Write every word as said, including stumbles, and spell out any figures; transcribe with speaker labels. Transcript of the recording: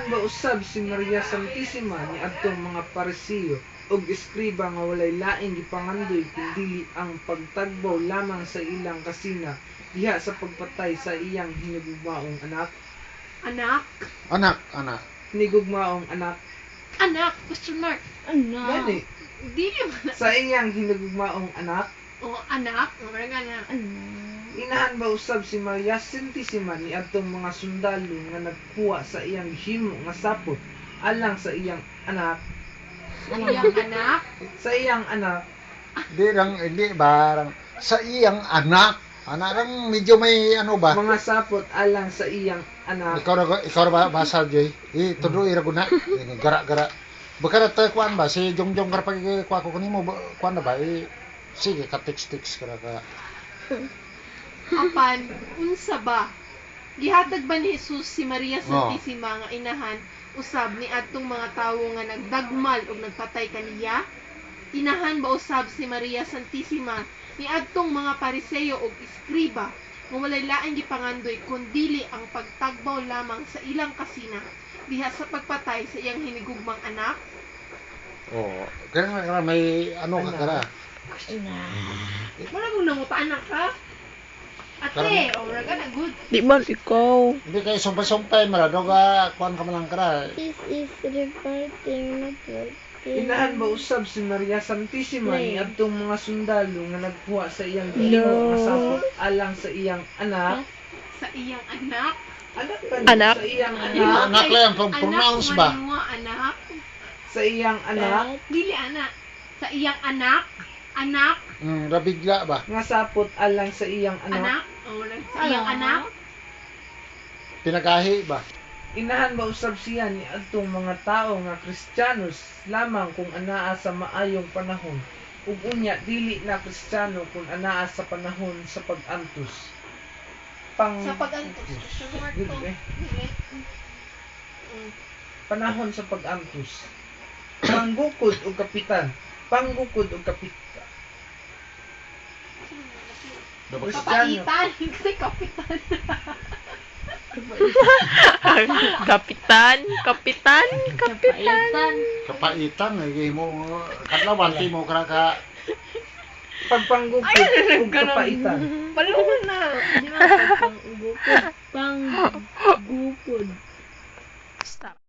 Speaker 1: Inahan ba usab si Maria Santisima ni adtong mga Pariseo ug eskriba nga walay laing gipangandoy kundi ang pagtagbaw lamang sa ilang kasina diha sa pagpatay sa iyang hinigugmaong anak?
Speaker 2: Anak?
Speaker 3: Anak, anak.
Speaker 1: Hinigugmaong anak.
Speaker 2: Anak? Question mark. Anak?
Speaker 1: Gani.
Speaker 2: Dili man.
Speaker 1: Sa iyang hinigugmaong anak.
Speaker 2: O, anak? O, mga ganyan. Anak.
Speaker 1: Inahan ba usab si Maria Santisima ni adtong mga sundalo nga nagkuha sa iyang himo nga sapot alang sa iyang anak?
Speaker 2: Sa iyang anak?
Speaker 1: Sa iyang anak.
Speaker 3: Di lang, hindi ba, sa iyang anak. Anak lang, medyo may ano ba?
Speaker 1: Mga sapot alang sa iyang anak.
Speaker 3: Ikaw na, ikaw na ba, basal, Joy? Eh, tuloy, iraguna. Gara-gara. Baka na tayo, kuhaan ba? Si Jongjong karapag kuha ko kanimo, kuhaan na ba? Eh, sige, ka-tix-tix ka na ka.
Speaker 2: Apan, unsa ba? Gihatag ba ni Jesus si Maria Santisima nga inahan usab ni adtong mga tawo nga nagdagmal ug nagpatay kaniya? Inahan ba usab si Maria Santisima ni adtong mga Pariseo ug eskriba nga walay laing gipangandoy kundili ang pagtagbaw lamang sa ilang kasina diha sa pagpatay sa iyang hinigugmang anak?
Speaker 3: Oo. Kaya nga, may ano ka kara.
Speaker 2: Wala mong nangutanan ka? Ate, o wala ka na good.
Speaker 4: Di ba ikaw?
Speaker 3: Hindi kayo sumpay-sumpay, marado ka, kuhaan ka malang kara.
Speaker 5: This is reporting network.
Speaker 1: Inahan ba usab si Maria Santisima ni adtong mga sundalo nga nagkuha sa iyang himo nga sapot alang sa iyang anak?
Speaker 2: Sa iyang anak?
Speaker 1: Anak ba?
Speaker 4: Anak?
Speaker 1: Sa iyang
Speaker 3: Yung
Speaker 1: anak?
Speaker 3: anak lang, kung pronounce ba?
Speaker 2: Anak mo, anak?
Speaker 1: Sa iyang anak?
Speaker 2: Dili anak. Sa iyang anak? Anak?
Speaker 3: Hmm, rabigla ba?
Speaker 1: Nga sapot alang sa iyang
Speaker 2: Anak?
Speaker 1: anak?
Speaker 2: O, sa iyang anak?
Speaker 3: Pinagahi ba?
Speaker 1: Inahan ba usab siya ni adtong mga tao nga Kristiyanos lamang kung anaa sa maayong panahon ug unya dili na Kristiyano kung anaa sa panahon sa pag-antos? Pang
Speaker 2: Sa pag-antos. Question mark to.
Speaker 1: Dili, eh.
Speaker 2: Dili. Mm.
Speaker 1: Panahon sa pag-antos. Panggukod o kapitan. Panggukod o kapitan. Kristiyano.
Speaker 2: Kapaitan. Kasi kapitan.
Speaker 4: Kapitan, kapitan, kapitan.
Speaker 3: Kapaitan, eh, mo, kadlawan, di mo kara ka,
Speaker 1: Pagpanggukod o kapaitan.
Speaker 2: Palungan na.
Speaker 5: Di ba pang gupod? Pang gupod.
Speaker 4: Stop.